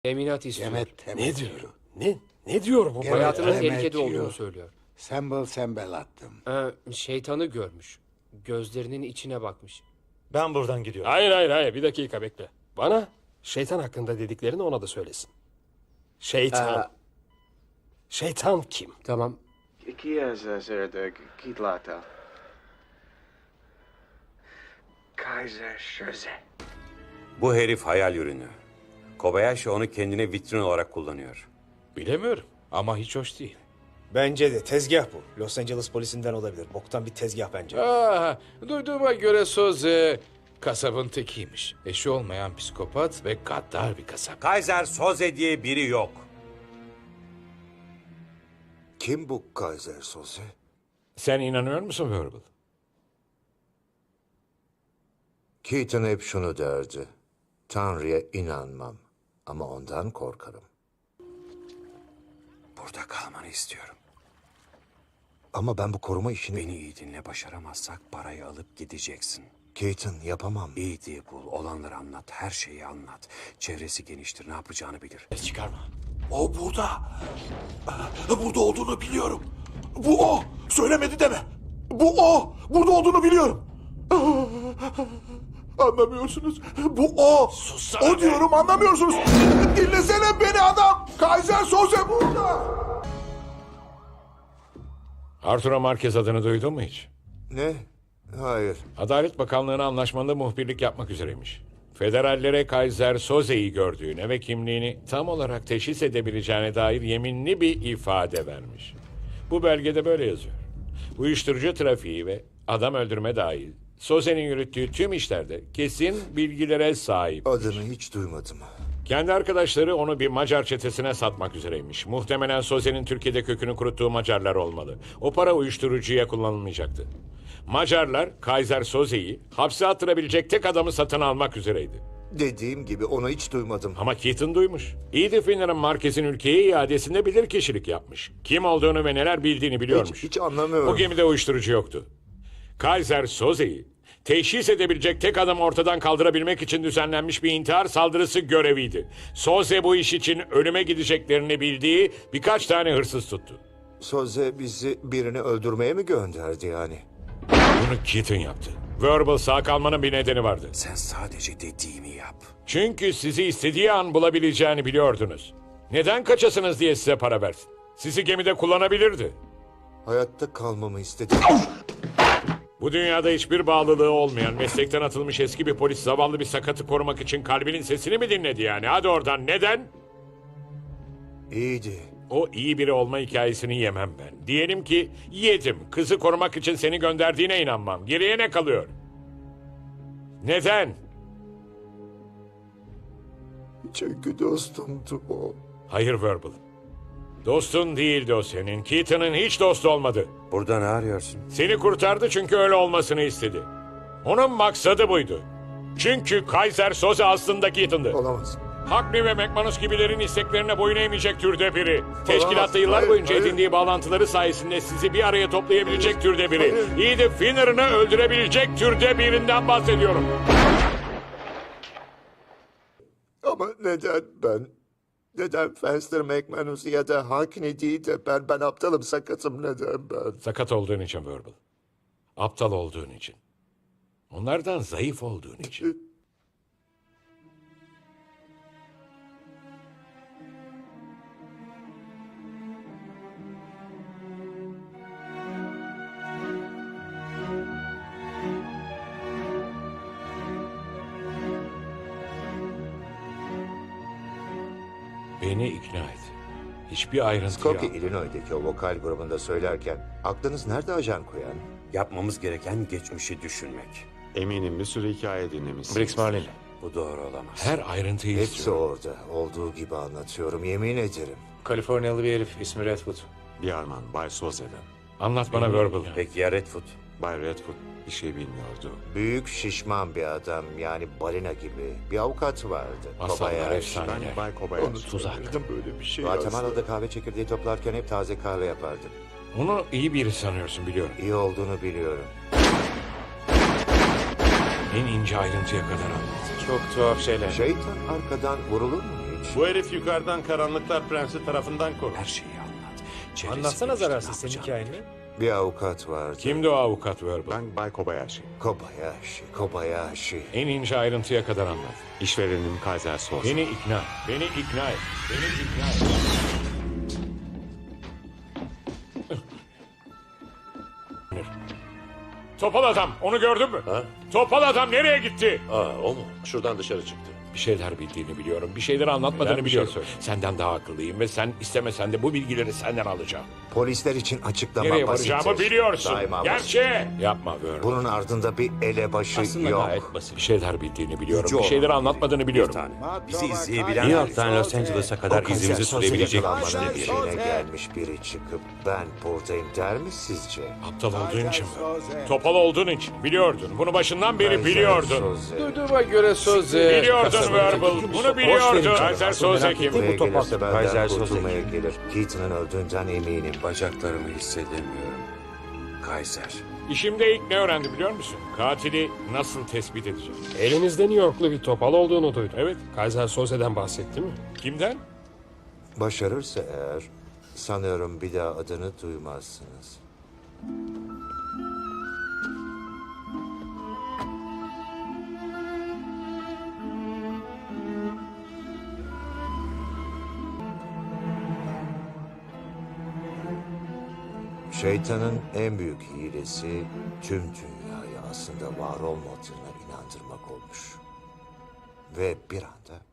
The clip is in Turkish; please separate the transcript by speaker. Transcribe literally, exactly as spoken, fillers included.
Speaker 1: Teminat istiyor.
Speaker 2: Yemet temet
Speaker 3: Ne
Speaker 2: yiyor.
Speaker 3: diyor? Ne? Ne diyor bu?
Speaker 2: Evet,
Speaker 1: Hayatının
Speaker 2: temet
Speaker 1: tehlikede
Speaker 2: yiyor.
Speaker 1: olduğunu söylüyor.
Speaker 2: Sembel sembel attım.
Speaker 1: Ee, şeytanı görmüş. Gözlerinin içine bakmış.
Speaker 4: Ben buradan gidiyorum.
Speaker 3: Hayır hayır hayır bir dakika bekle. Bana şeytan hakkında dediklerini ona da söylesin. Şeytan.
Speaker 1: Aa.
Speaker 3: Şeytan kim?
Speaker 1: Tamam.
Speaker 5: Kia zerde kitlata. Kaiser Söze.
Speaker 6: Bu herif hayal ürünü. Kobayashi onu kendine vitrin olarak kullanıyor.
Speaker 7: Bilemiyorum ama hiç hoş değil.
Speaker 4: Bence de tezgah bu. Los Angeles polisinden olabilir. Boktan bir tezgah bence.
Speaker 7: Aa, duyduğuma göre Soze kasabın tekiymiş. Eşi olmayan psikopat ve gaddar bir kasap.
Speaker 6: Kaiser Soze diye biri yok.
Speaker 8: Kim bu Kaiser Soze?
Speaker 7: Sen inanıyor musun Verbal?
Speaker 8: Keaton hep şunu derdi. Tanrı'ya inanmam ama ondan korkarım.
Speaker 6: Burada kalmanı istiyorum.
Speaker 8: Ama ben bu koruma işini...
Speaker 6: Beni iyi dinle, başaramazsak parayı alıp gideceksin.
Speaker 8: Keaton yapamam.
Speaker 6: İyi diye bul, olanları anlat, her şeyi anlat. Çevresi geniştir, ne yapacağını bilir.
Speaker 7: Ses çıkarma.
Speaker 3: O burada. Burada olduğunu biliyorum. Bu o. Söylemedi deme. Bu o. Burada olduğunu biliyorum. Anlamıyorsunuz. Bu o.
Speaker 7: Sussana
Speaker 3: O
Speaker 7: be.
Speaker 3: diyorum anlamıyorsunuz. Dinlesene beni adam. Kaiser Soze burada.
Speaker 7: Arturo Marquez adını duydun mu hiç?
Speaker 8: Ne? Hayır.
Speaker 7: Adalet Bakanlığı'na anlaşmanda muhbirlik yapmak üzereymiş. Federallere Kaiser Soze'yi gördüğüne ve kimliğini tam olarak teşhis edebileceğine dair yeminli bir ifade vermiş. Bu belgede böyle yazıyor. Uyuşturucu trafiği ve adam öldürme dahil Soze'nin yürüttüğü tüm işlerde kesin bilgilere sahip.
Speaker 8: Adını hiç duymadım.
Speaker 7: Kendi arkadaşları onu bir Macar çetesine satmak üzereymiş. Muhtemelen Soze'nin Türkiye'de kökünü kuruttuğu Macarlar olmalı. O para uyuşturucuya kullanılmayacaktı. Macarlar Kaiser Soze'yi hapse attırabilecek tek adamı satın almak üzereydi.
Speaker 8: Dediğim gibi onu hiç duymadım.
Speaker 7: Ama Keaton duymuş. Edith Finner'ın Marquez'in ülkeye iadesinde bilirkişilik yapmış. Kim olduğunu ve neler bildiğini biliyormuş.
Speaker 8: Hiç, hiç anlamıyorum.
Speaker 7: O gemide uyuşturucu yoktu. Kaiser Soze'yi teşhis edebilecek tek adamı ortadan kaldırabilmek için düzenlenmiş bir intihar saldırısı göreviydi. Soze bu iş için ölüme gideceklerini bildiği birkaç tane hırsız tuttu.
Speaker 8: Soze bizi birini öldürmeye mi gönderdi yani?
Speaker 7: Bunu Keaton yaptı. Verbal sağ kalmanın bir nedeni vardı.
Speaker 6: Sen sadece dediğimi yap.
Speaker 7: Çünkü sizi istediği an bulabileceğini biliyordunuz. Neden kaçasınız diye size para versin. Sizi gemide kullanabilirdi.
Speaker 8: Hayatta kalmamı istedi.
Speaker 7: Bu dünyada hiçbir bağlılığı olmayan, meslekten atılmış eski bir polis zavallı bir sakatı korumak için kalbinin sesini mi dinledi yani? Hadi oradan, neden?
Speaker 8: İyiydi.
Speaker 7: O iyi biri olma hikayesini yemem ben. Diyelim ki yedim, kızı korumak için seni gönderdiğine inanmam. Geriye ne kalıyor? Neden?
Speaker 8: Çünkü dostumdu o.
Speaker 7: Hayır Verbal. Dostun değildi o senin. Keaton'ın hiç dostu olmadı.
Speaker 6: Burada ne arıyorsun?
Speaker 7: Seni kurtardı çünkü öyle olmasını istedi. Onun maksadı buydu. Çünkü Kaiser Soze aslında Keaton'dı.
Speaker 8: Olamaz.
Speaker 7: Hackney ve McManus gibilerin isteklerine boyun eğmeyecek türde biri. Teşkilatta yıllar
Speaker 8: Hayır,
Speaker 7: boyunca
Speaker 8: hayır.
Speaker 7: edindiği bağlantıları sayesinde sizi bir araya toplayabilecek türde biri. Edith Finner'ını öldürebilecek türde birinden bahsediyorum.
Speaker 8: Ama neden ben? Neden Fenster McManus ya da Hackney değil de ben? Ben aptalım, sakatım, neden ben?
Speaker 7: Sakat olduğun için Verbal. Aptal olduğun için. Onlardan zayıf olduğun için. Beni ikna et. Hiçbir ayrıntı
Speaker 8: Skokie,
Speaker 7: yok.
Speaker 8: Illinois'daki o vokal grubunda söylerken aklınız nerede ajan koyan?
Speaker 6: Yapmamız gereken geçmişi düşünmek.
Speaker 9: Eminim bir sürü hikaye dinlemişsiniz.
Speaker 7: Briggs Marlin.
Speaker 6: Bu doğru olamaz.
Speaker 7: Her ayrıntıyı
Speaker 8: Hepsi
Speaker 7: istiyorum.
Speaker 8: orada. Olduğu gibi anlatıyorum, yemin ederim.
Speaker 1: Kaliforniyalı bir herif. İsmi Redwood.
Speaker 9: Bir Alman, Bay Soze'den.
Speaker 7: Anlat bana Verbal.
Speaker 6: Peki ya Redfoot?
Speaker 9: Bay Redfoot bir şey bilmiyordu.
Speaker 8: Büyük şişman bir adam, yani balina gibi. Bir avukat vardı.
Speaker 7: Masallar
Speaker 8: Kobayashi.
Speaker 7: efsane.
Speaker 9: Ben Bay Kobayashi.
Speaker 7: Tuzak.
Speaker 8: Böyle bir şey Guatemala'da kahve çekirdeği toplarken hep taze kahve yapardı.
Speaker 7: Onu iyi biri sanıyorsun biliyorum.
Speaker 8: İyi olduğunu biliyorum.
Speaker 7: En ince ayrıntıya kadar anlat.
Speaker 1: Çok tuhaf şeyler.
Speaker 8: Şeytan arkadan vurulur mu hiç?
Speaker 9: Bu herif yukarıdan Karanlıklar Prensi tarafından korur.
Speaker 6: Her şeyi anlat. Çevresini
Speaker 4: Anlatsana
Speaker 6: işte,
Speaker 4: zararsız
Speaker 6: ne
Speaker 4: senin
Speaker 6: yapacağını.
Speaker 4: hikayeni.
Speaker 8: Bir avukat vardı.
Speaker 7: Kimdi o avukat Verbal?
Speaker 9: Ben Bay Kobayashi.
Speaker 8: Kobayashi, Kobayashi.
Speaker 7: En ince ayrıntıya kadar anlat.
Speaker 9: İşverenim Kaiser Soze.
Speaker 7: Beni ikna et. Beni ikna et. Beni ikna et. Topal adam, onu gördün mü?
Speaker 10: Ha?
Speaker 7: Topal adam nereye gitti?
Speaker 10: Aa, o mu? Şuradan dışarı çıktı.
Speaker 7: Bir şeyler bildiğini biliyorum. Bir şeyleri anlatmadığını
Speaker 10: Ben bir şey
Speaker 7: biliyorum. Senden daha akıllıyım ve sen istemesen de bu bilgileri senden alacağım.
Speaker 8: Polisler için açıklama
Speaker 7: Nereye
Speaker 8: basittir.
Speaker 7: varacağımı biliyorsun.
Speaker 8: Daima
Speaker 7: Gerçi. Yapma Verbal.
Speaker 8: Bunun ardında bir elebaşı
Speaker 10: Aslında
Speaker 8: yok.
Speaker 10: gayet basit.
Speaker 7: Bir şeyler bildiğini biliyorum.
Speaker 6: Gücü
Speaker 7: Bir şeyleri
Speaker 6: olan
Speaker 7: anlatmadığını
Speaker 6: biri,
Speaker 7: biliyorum.
Speaker 6: Bir tane. Bizi
Speaker 2: Matova
Speaker 6: izleyebilen
Speaker 2: Kaiser
Speaker 6: New York'tan Los
Speaker 2: Soze.
Speaker 6: Angeles'a kadar
Speaker 8: O Kaiser
Speaker 6: izimizi
Speaker 8: Soze
Speaker 6: sürebilecek
Speaker 8: yakalanmanın
Speaker 2: Kaiser
Speaker 6: güçte
Speaker 8: peşine
Speaker 6: biri.
Speaker 2: Soze.
Speaker 8: gelmiş biri çıkıp ben buradayım der mi sizce?
Speaker 7: Aptal olduğun için mi?
Speaker 2: Soze.
Speaker 7: Topal olduğun için. Biliyordun. Bunu başından beri
Speaker 8: Kaiser
Speaker 7: biliyordun.
Speaker 8: Soze.
Speaker 1: Duyduğuma göre Soze...
Speaker 7: Biliyordun
Speaker 1: kasabadaki
Speaker 7: Verbal.
Speaker 1: bir
Speaker 7: Bunu
Speaker 1: sokak-
Speaker 7: biliyordun. Kaiser Soze kim?
Speaker 8: Buraya gelirse benden
Speaker 6: Kaiser Soze
Speaker 8: kurtulmaya gelir. Keaton'un öldüğünden eminim.
Speaker 6: Bacaklarımı hissedemiyorum. Kaiser.
Speaker 7: İşimde ilk ne öğrendi biliyor musun? Katili nasıl tespit edeceğim?
Speaker 11: Elinizde New Yorklu bir topal olduğunu duydum.
Speaker 7: Evet.
Speaker 11: Kaiser Soze'den bahsetti mi?
Speaker 7: Kimden?
Speaker 8: Başarırsa eğer sanıyorum bir daha adını duymazsınız. Şeytanın en büyük hilesi tüm dünyayı aslında var olmadığına inandırmak olmuş. Ve bir anda